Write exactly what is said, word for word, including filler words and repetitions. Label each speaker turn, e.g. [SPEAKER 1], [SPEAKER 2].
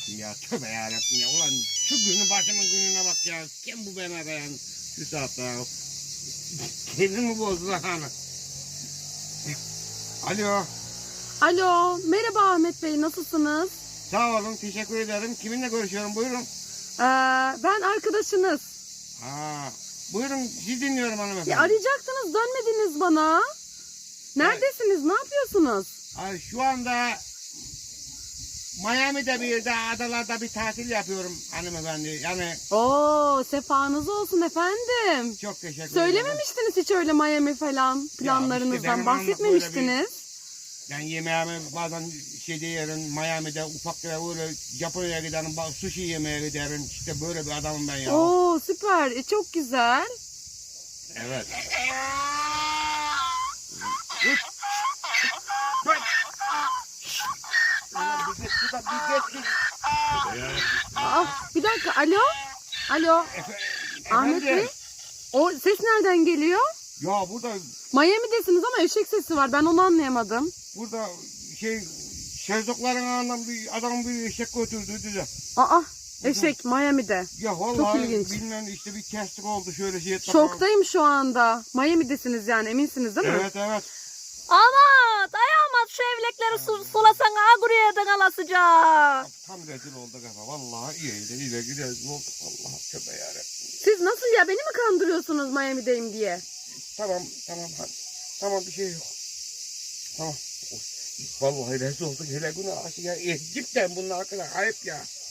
[SPEAKER 1] Ya tövbe yarabbim ya. Ulan şu günün başımın gününe bak ya. Kim bu beni arayan şu saatte ya. Kendimi bozdu lan hani. Alo.
[SPEAKER 2] Alo, merhaba Ahmet Bey, nasılsınız?
[SPEAKER 1] Sağ olun, teşekkür ederim. Kiminle görüşüyorum, buyurun.
[SPEAKER 2] Ee, ben arkadaşınız.
[SPEAKER 1] Ha, buyurun, sizi dinliyorum hanımefendi.
[SPEAKER 2] Ya arayacaktınız, dönmediniz bana. Neredesiniz, ne yapıyorsunuz?
[SPEAKER 1] Ay, şu anda Miami'de bir yerde, adalarda bir tatil yapıyorum hanımefendi. Yani
[SPEAKER 2] Oo, sefanız olsun efendim.
[SPEAKER 1] çok teşekkür ederim.
[SPEAKER 2] Söylememiştiniz hiç öyle Miami falan planlarınızdan,
[SPEAKER 1] benim
[SPEAKER 2] bahsetmemiştiniz.
[SPEAKER 1] Ben yemeğimi bazen şeyde yerim, Miami'de ufak bir böyle Japonya'ya giderim, ba- sushi yemeye giderim. İşte böyle bir adamım ben ya.
[SPEAKER 2] Oo, süper, e, çok güzel.
[SPEAKER 1] Evet. Dur. Dur. Ulan bir geç, bir dakika, bir geç, bir-
[SPEAKER 2] Aa, bir dakika, alo, alo,
[SPEAKER 1] Efe-
[SPEAKER 2] Ahmet Bey.
[SPEAKER 1] efendim?
[SPEAKER 2] O ses nereden geliyor?
[SPEAKER 1] Ya burada,
[SPEAKER 2] Miami'desiniz ama eşek sesi var, ben onu anlayamadım.
[SPEAKER 1] burada şey, şezlongların ağından bir adam bir eşek götürdü de.
[SPEAKER 2] Aa, eşek Miami'de.
[SPEAKER 1] Ya vallahi
[SPEAKER 2] ilginç.
[SPEAKER 1] bilmem işte bir kestik oldu şöyle şey.
[SPEAKER 2] Şoktayım şu anda. Miami'desiniz yani, eminsiniz değil mi?
[SPEAKER 1] Evet evet.
[SPEAKER 3] Ama dayanmaz şu evlekleri su, sulasan aguriyeden alasıca.
[SPEAKER 1] Tam rezil olduk ama vallahi iyiydi iyiydi rezil olduk vallahi tövbe yarabbim.
[SPEAKER 2] Siz nasıl ya, beni mi kandırıyorsunuz Miami'deyim diye?
[SPEAKER 1] Tamam tamam hadi. Tamam bir şey yok. Tamam. Of, vallahi rezil olduk hele günah aşı ya. Eh, cidden bunun hakkında ayıp ya.